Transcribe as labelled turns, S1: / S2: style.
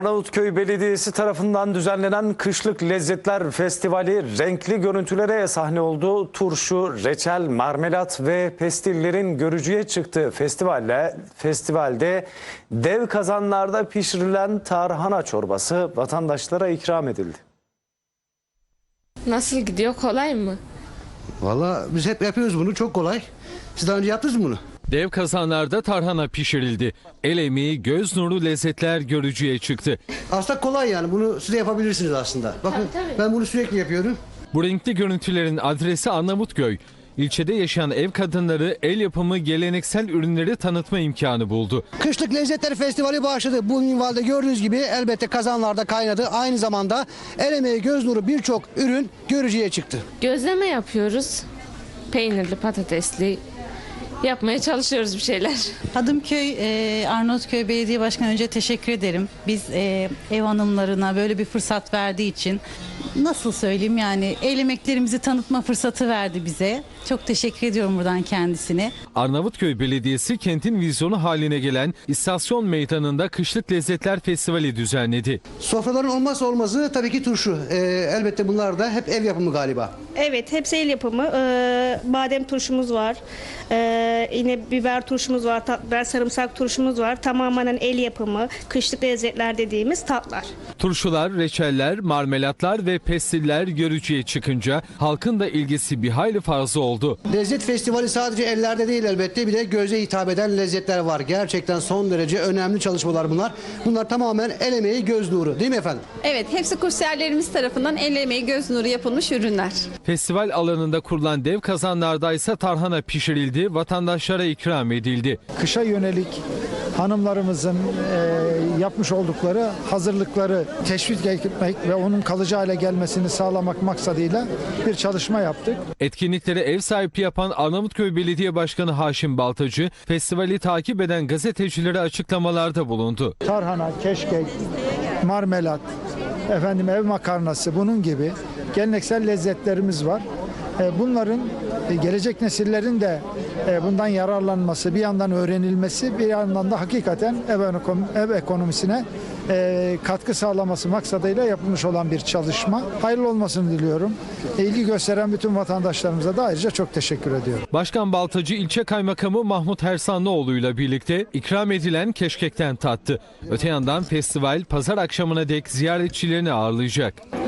S1: Arnavutköy Belediyesi tarafından düzenlenen Kışlık Lezzetler Festivali renkli görüntülere sahne oldu. Turşu, reçel, marmelat ve pestillerin görücüye çıktığı festivalde dev kazanlarda pişirilen tarhana çorbası vatandaşlara ikram edildi.
S2: Nasıl gidiyor? Kolay mı?
S3: Valla biz hep yapıyoruz bunu, çok kolay. Siz daha önce yaptınız mı bunu?
S4: Dev kazanlarda tarhana pişirildi. El emeği, göz nuru lezzetler görücüye çıktı.
S3: Aslında kolay yani, bunu siz de yapabilirsiniz aslında. Bakın
S2: Tabii.
S3: ben bunu sürekli yapıyorum.
S4: Bu renkli görüntülerin adresi Arnavutköy. İlçede yaşayan ev kadınları el yapımı geleneksel ürünleri tanıtma imkanı buldu.
S3: Kışlık Lezzetler Festivali başladı. Bu minvalde gördüğünüz gibi elbette kazanlarda kaynadı. Aynı zamanda el emeği, göz nuru birçok ürün görücüye çıktı.
S2: Gözleme yapıyoruz. Peynirli, patatesli. Yapmaya çalışıyoruz bir şeyler.
S5: Hadımköy, Arnavutköy Belediye Başkanı önce teşekkür ederim. Biz ev hanımlarına böyle bir fırsat verdiği için, nasıl söyleyeyim yani, el emeklerimizi tanıtma fırsatı verdi bize. Çok teşekkür ediyorum buradan kendisine.
S4: Arnavutköy Belediyesi kentin vizyonu haline gelen İstasyon Meydanı'nda Kışlık Lezzetler Festivali düzenledi.
S3: Sofraların olmazsa olmazı tabii ki turşu. Elbette bunlar da hep ev yapımı galiba.
S6: Evet, hepsi el yapımı. Badem turşumuz var. Yine biber turşumuz var, biber sarımsak turşumuz var. Tamamen el yapımı, kışlık lezzetler dediğimiz tatlar.
S4: Turşular, reçeller, marmelatlar ve pestiller görücüye çıkınca halkın da ilgisi bir hayli fazla oldu.
S3: Lezzet Festivali sadece ellerde değil elbette, bir de göze hitap eden lezzetler var. Gerçekten son derece önemli çalışmalar bunlar. Bunlar tamamen el emeği, göz nuru, değil mi efendim?
S7: Evet, hepsi kursiyerlerimiz tarafından el emeği, göz nuru yapılmış ürünler.
S4: Festival alanında kurulan dev kazanlarda ise tarhana pişirildi, vatandaşlara ikram edildi.
S8: Kışa yönelik hanımlarımızın yapmış oldukları hazırlıkları teşvik etmek ve onun kalıcı hale gelmesini sağlamak maksadıyla bir çalışma yaptık.
S4: Etkinliklere ev sahipliği yapan Arnavutköy Belediye Başkanı Haşim Baltacı, festivali takip eden gazetecilere açıklamalarda bulundu.
S8: Tarhana, keşkek, marmelat, ev makarnası, bunun gibi geleneksel lezzetlerimiz var. Bunların gelecek nesillerin de bundan yararlanması, bir yandan öğrenilmesi, bir yandan da hakikaten ev ekonomisine katkı sağlaması maksadıyla yapılmış olan bir çalışma. Hayırlı olmasını diliyorum. İlgi gösteren bütün vatandaşlarımıza da ayrıca çok teşekkür ediyorum.
S4: Başkan Baltacı ilçe kaymakamı Mahmut Hersanlıoğlu ile birlikte ikram edilen keşkekten tattı. Öte yandan festival pazar akşamına dek ziyaretçilerini ağırlayacak.